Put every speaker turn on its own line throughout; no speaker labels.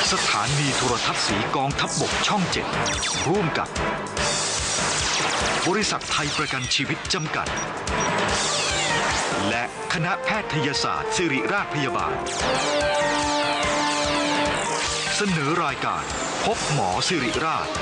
สถานีโทรทัศน์สีกองทัพบกช่อง 7 ร่วมกับบริษัทไทยประกันชีวิตจำกัดและคณะแพทยศาสตร์ศิริราชพยาบาลเสนอรายการพบหมอศิริราช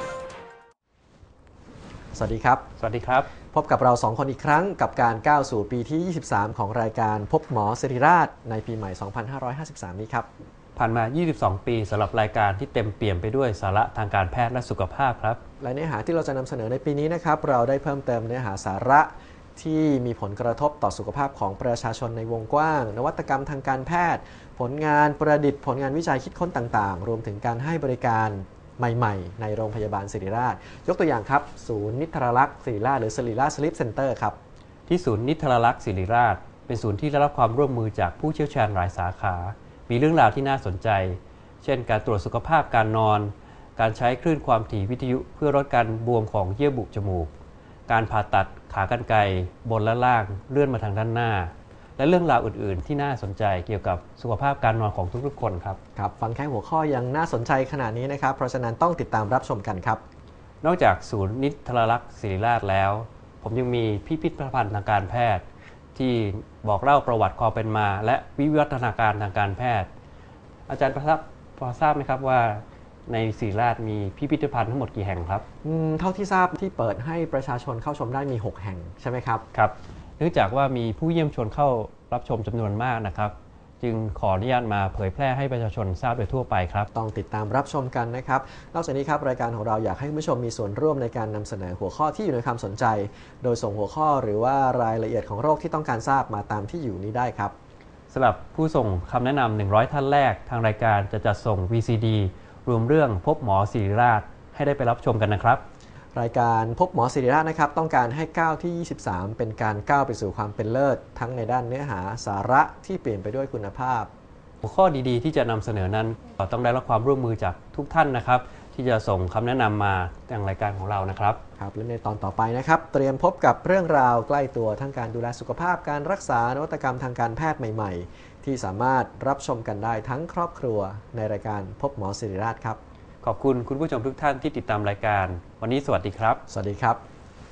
สวัสดีครับ
สวัสดีครับ
พบกับเรา2คนอีกครั้งกับการก้าวสู่ปีที่23ของรายการพบหมอศิริราชในปีใหม่2553นี้ครับ
ผ่านมา22ปีสำหรับรายการที่เต็มเปี่ยมไปด้วยสาระทางการแพทย์และสุขภาพครับ
และเนื้อหาที่เราจะนำเสนอในปีนี้นะครับเราได้เพิ่มเติมเนื้อหาสาระที่มีผลกระทบต่อสุขภาพของประชาชนในวงกว้างนวัตกรรมทางการแพทย์ผลงานประดิษฐ์ผลงานวิจัยคิดค้นต่างๆรวมถึงการให้บริการใหม่ๆในโรงพยาบาลศิริราชยกตัวอย่างครับศูนย์นิทรรลักษณ์ศิริราชหรือศิริราชสลิปเซ็นเตอร์ครับ
ที่ศูนย์นิทรรลักษณ์ศิริราชเป็นศูนย์ที่ได้รับความร่วมมือจากผู้เชี่ยวชาญหลายสาขามีเรื่องราวที่น่าสนใจเช่นการตรวจสุขภาพการนอนการใช้คลื่นความถี่วิทยุเพื่อลดการบวมของเยื่อบุจมูกการผ่าตัดขากรรไกรบนและล่างเลื่อนมาทางด้านหน้าและเรื่องราวอื่นๆที่น่าสนใจเกี่ยวกับสุขภาพการนอนของทุกๆคนครับ
ครับฟังแค่หัวข้อยังน่าสนใจขนาดนี้นะครับเพราะฉะนั้นต้องติดตามรับชมกันครับ
นอกจากศูนย์นิทรรลักษณ์ศิริราชแล้วผมยังมีพิพิธภัณฑ์ทางการแพทย์ที่บอกเล่าประวัติความเป็นมาและวิวัฒนาการทางการแพทย์อาจารย์พอทราบไหมครับว่าในศิริราชมีพิพิธภัณฑ์ทั้งหมดกี่แห่งครับ
เท่าที่ทราบที่เปิดให้ประชาชนเข้าชมได้มี6แห่งใช่ไหมครับ
ครับเนื่องจากว่ามีผู้เยี่ยมชมเข้ารับชมจำนวนมากนะครับจึงขออนุญาตมาเผยแพร่ให้ประชาชนทราบโดยทั่วไปครับ
ต้องติดตามรับชมกันนะครับนอกจากนี้ครับรายการของเราอยากให้คุณผู้ชมมีส่วนร่วมในการนำเสนอหัวข้อที่อยู่ในความสนใจโดยส่งหัวข้อหรือว่ารายละเอียดของโรคที่ต้องการทราบมาตามที่อยู่นี้ได้ครับ
สำหรับผู้ส่งคำแนะนำ100ท่านแรกทางรายการจะจัดส่ง VCD รวมเรื่องพบหมอศิริราชให้ได้ไปรับชมกันนะครับ
รายการพบหมอศิริราชนะครับต้องการให้ก้าวที่23เป็นการก้าวไปสู่ความเป็นเลิศทั้งในด้านเนื้อหาสาระที่เปลี่ยนไปด้วยคุณภาพ
หัวข้อดีๆที่จะนำเสนอนั้นต้องได้รับความร่วมมือจากทุกท่านนะครับที่จะส่งคำแนะนำมาทางรายการของเรานะครับ
ครับและในตอนต่อไปนะครับเตรียมพบกับเรื่องราวใกล้ตัวทั้งการดูแลสุขภาพการรักษานวัตกรรมทางการแพทย์ใหม่ๆที่สามารถรับชมกันได้ทั้งครอบครัวในรายการพบหมอศิริราชครับ
ขอบคุณคุณผู้ชมทุกท่านที่ติดตามรายการวันนี้สวัสดีครับ
สวัสดีครับ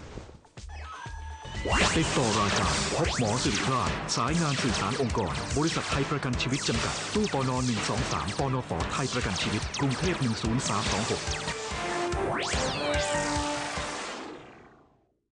ติดต่อรายการพบหมอศิริราชสายงานสื่อสารองค์กรบริษัทไทยประกันชีวิตจำกัดตู้ปน123ปนฝไทยประกันชีวิตกรุงเทพ10326